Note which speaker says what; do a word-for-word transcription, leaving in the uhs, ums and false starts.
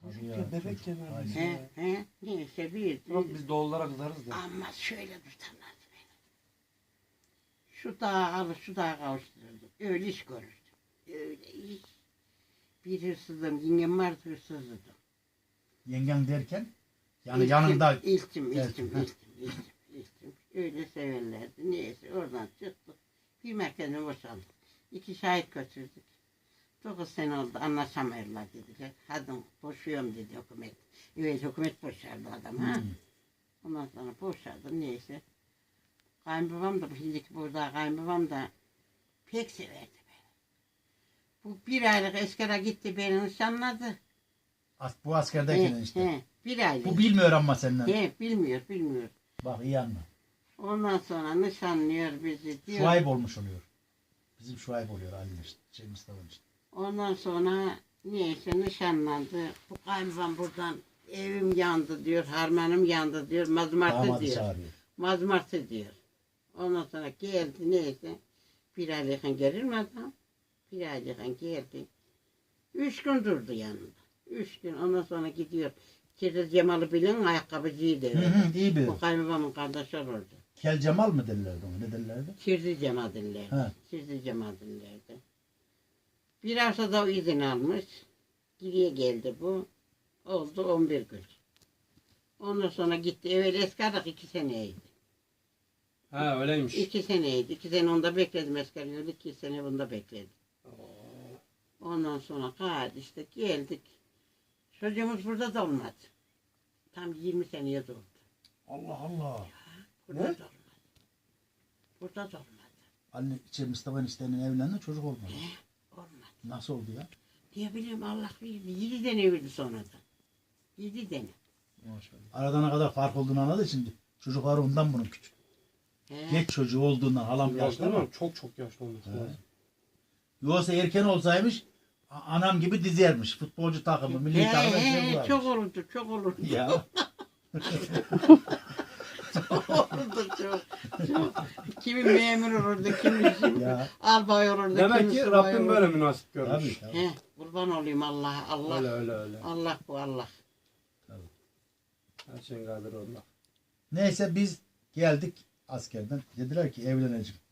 Speaker 1: Çocukken bebekken neredeyse.
Speaker 2: He he neyse bir.
Speaker 1: Bak biz doğullara kızarız da.
Speaker 2: Ama şöyle tutarlardı beni. Şu dağa alır şu dağa kavuştururdum. Öyle iş görürdüm. Öyle iş. Bir hırsızdım. Yengem vardı hırsızdım.
Speaker 3: Yengen derken yani
Speaker 2: İltim,
Speaker 3: yanında
Speaker 2: İltim, iltim,
Speaker 3: Evet,
Speaker 2: iltim,
Speaker 3: ha.
Speaker 2: iltim, iltim, iltim. Öyle severlerdi. Neyse oradan çıktık. Bir merkezine boşaldık. İki şahit götürdük. Dokuz sene oldu anlaşamıyorlar dediler. Hadi boşuyorum dedi hükümet. Evet hükümet boşardı adam ha.
Speaker 3: Hmm.
Speaker 2: Ondan sonra boşardı neyse. Kayınbabam da şimdiki burada kayınbabam da pek severdi beni. Bu bir aylık eskere gitti beni nişanladı.
Speaker 3: as, bu askerdeyken
Speaker 2: He,
Speaker 3: işte.
Speaker 2: he, bir aylık.
Speaker 3: Bu bilmiyor ama senden.
Speaker 2: He, bilmiyor bilmiyor.
Speaker 3: Bak iyi anla.
Speaker 2: Ondan sonra nişanlıyor bizi diyor.
Speaker 3: Şuayb olmuş oluyor. Bizim Şuayb oluyor Ali işte. Şey Mustafa işte.
Speaker 2: Ondan sonra neyse nişanlandı. Bu kayınbabam buradan evim yandı diyor, harmanım yandı diyor, mazmartı
Speaker 3: Damadı
Speaker 2: diyor.
Speaker 3: çağırıyor.
Speaker 2: Mazmartı diyor. Ondan sonra geldi neyse. Bir ay yakın gelir mi adam? Bir ay yakın geldi. Üç gün durdu yanında. Üç gün ondan sonra gidiyor. Kirli Cemal'ı bilin ayakkabıcıydı.
Speaker 3: Hı hı, iyi bir.
Speaker 2: Bu kayınbabamın kardeşi olurdu.
Speaker 3: Kel Cemal mı derlerdi ona? Ne derlerdi?
Speaker 2: Kirli Cemal dillerdi.
Speaker 3: He.
Speaker 2: Kirli Cemal dillerdi. Bir haftada o izin almış. Geriye geldi bu. Oldu on bir gün. Ondan sonra gitti. Evvel eskarlık iki seneydi.
Speaker 1: Ha öyleymiş.
Speaker 2: İki seneydi. İki sene onda bekledim eskarlığı. İki sene bunda bekledim. Ondan sonra kaldı işte geldik. Çocuğumuz burada da olmadı. Tam yirmi seneye durdu.
Speaker 1: Allah Allah.
Speaker 2: Burada
Speaker 1: Ne?
Speaker 2: da olmadı. Burada da olmadı.
Speaker 3: Ali şey Mustafa eniştenin evlendi çocuk olmadı.
Speaker 2: Olmadı.
Speaker 3: Nasıl oldu ya?
Speaker 2: Diye bileyim Allah bilir. Yedi tane verdi sonradan. Yedi tane.
Speaker 1: Maşallah.
Speaker 3: Aradan ne kadar fark olduğunu anladı şimdi. Çocukları ondan bunun küçük.
Speaker 2: He.
Speaker 3: Geç çocuğu olduğundan halam yaşlı
Speaker 1: Yaşlı
Speaker 3: ama.
Speaker 1: ama çok çok yaşlı olması
Speaker 3: He.
Speaker 1: lazım.
Speaker 3: Yoksa erken olsaymış a- anam gibi dizermiş. Futbolcu takımı, milli
Speaker 2: He,
Speaker 3: takımı
Speaker 2: he,
Speaker 3: şey
Speaker 2: çok
Speaker 3: varmış.
Speaker 2: olurdu, çok olurdu.
Speaker 3: Ya.
Speaker 2: Çok olurdu, çok. çok. Kimi memur olurdu, kimi şimdi
Speaker 3: Ya.
Speaker 2: albay olurdu,
Speaker 1: Demek
Speaker 2: kimi
Speaker 1: ki
Speaker 2: subay
Speaker 1: Rabbim
Speaker 2: olurdu.
Speaker 1: böyle münasip
Speaker 3: Tabii,
Speaker 1: görmüş.
Speaker 3: tabii.
Speaker 2: He, kurban olayım Allah'a, Allah.
Speaker 1: Öyle öyle öyle.
Speaker 2: Allah bu Allah.
Speaker 1: Her şeyin kaderi Allah.
Speaker 3: Neyse biz geldik askerden. Dediler ki evleneceğim.